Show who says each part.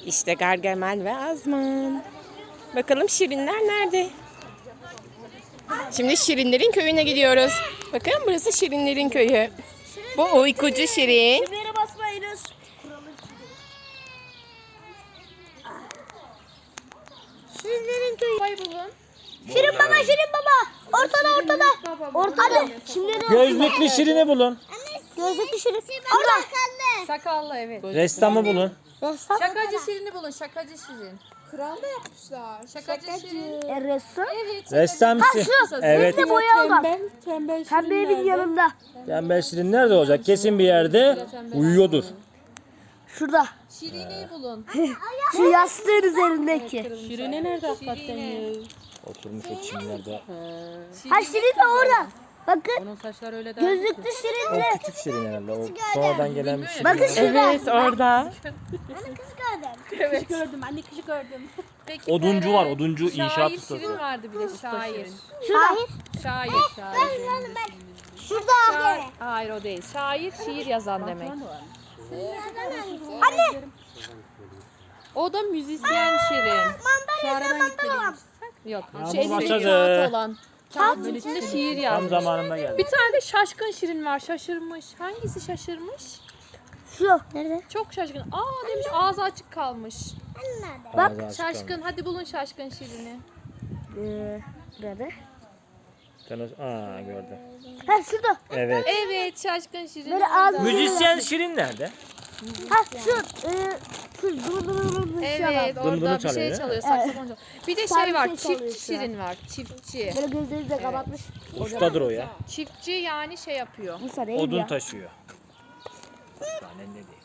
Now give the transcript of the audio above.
Speaker 1: İşte Gargamel ve Azman. Bakalım şirinler nerede? Şimdi şirinlerin köyüne gidiyoruz. Bakın burası şirinlerin köyü. Bu uykucu şirin.
Speaker 2: Şuraya basmayınız. Şirinlerin köyü.
Speaker 1: bulun.
Speaker 2: Şirin baba, Şirin baba. Ortada. Ortada. Şimdi
Speaker 3: Gözlüklü Şirin'i bulun.
Speaker 2: gözlüklü Şirin. Orada.
Speaker 4: Sakallı evet.
Speaker 3: Ressamı bulun.
Speaker 2: Ressam.
Speaker 4: Şakacı Şirin'i bulun. Şakacı Şirin. Kral da yapmışlar. Şakacı Şirin.
Speaker 2: Ressam.
Speaker 4: Evet.
Speaker 3: Ressamsı. Evet.
Speaker 2: Bir de boya olan.
Speaker 4: Tembel
Speaker 2: Pembe evin yanında.
Speaker 3: Tembel Şirin nerede olacak? Kesin bir yerde uyuyordur.
Speaker 2: Şurada.
Speaker 4: Şirine'yi bulun.
Speaker 2: Şu yastığın üzerindeki.
Speaker 4: Şirine nerede hakikaten ya?
Speaker 3: Oturmuş o çimlerde.
Speaker 2: Ha Şirin de orada. Bakın.
Speaker 4: Onun saçları öyle de.
Speaker 2: Gözlüklü Şirin
Speaker 3: O
Speaker 2: de.
Speaker 3: küçük Şirin herhalde. O sonradan gelen bir Şirin.
Speaker 2: Bakın şurada.
Speaker 1: Evet orada.
Speaker 4: Peki,
Speaker 3: Oduncu var. Oduncu inşaat
Speaker 4: Şair
Speaker 3: ustası.
Speaker 4: Şirin vardı bir de şair.
Speaker 2: Şurada.
Speaker 4: Şair.
Speaker 2: Şurada.
Speaker 4: Hayır o değil. Şair şiir yazan demek.
Speaker 2: Anne.
Speaker 4: O da müzisyen Şirin. Yok.
Speaker 3: Yağmur
Speaker 4: Şu elindeki
Speaker 3: başladı.
Speaker 4: kağıt olan. Kağıtın içinde şiir
Speaker 3: Tam
Speaker 4: yazmış.
Speaker 3: zamanında geldi.
Speaker 4: Bir tane de şaşkın Şirin var. Şaşırmış. Hangisi şaşırmış?
Speaker 2: Şu. Nerede?
Speaker 4: Çok şaşkın. Aa demiş ağzı açık kalmış.
Speaker 3: Bak.
Speaker 4: Şaşkın. Hadi bulun şaşkın Şirin'i.
Speaker 2: Nerede?
Speaker 3: Aa gördüm.
Speaker 2: Ha şurada.
Speaker 3: Evet.
Speaker 4: Evet şaşkın Şirin.
Speaker 2: Böyle ağzı.
Speaker 3: Müzisyen Şirin nerede?
Speaker 2: Ha şu. Şu dur.
Speaker 4: Evet
Speaker 3: Bunu
Speaker 4: orada bir
Speaker 3: çalıyor,
Speaker 4: şey
Speaker 3: değil mi?
Speaker 4: çalıyor. Saksafon çalıyor. Bir de
Speaker 2: Sen
Speaker 4: şey var.
Speaker 2: bir şey çalıyor
Speaker 4: Çiftçi
Speaker 2: şu an.
Speaker 4: Şirin var. Çiftçi.
Speaker 2: Böyle gözleri de kapatmış.
Speaker 3: Ustadır o ya.
Speaker 4: Çiftçi yani şey yapıyor.
Speaker 2: Bu sarı
Speaker 3: Odun taşıyor. Daha ne değil.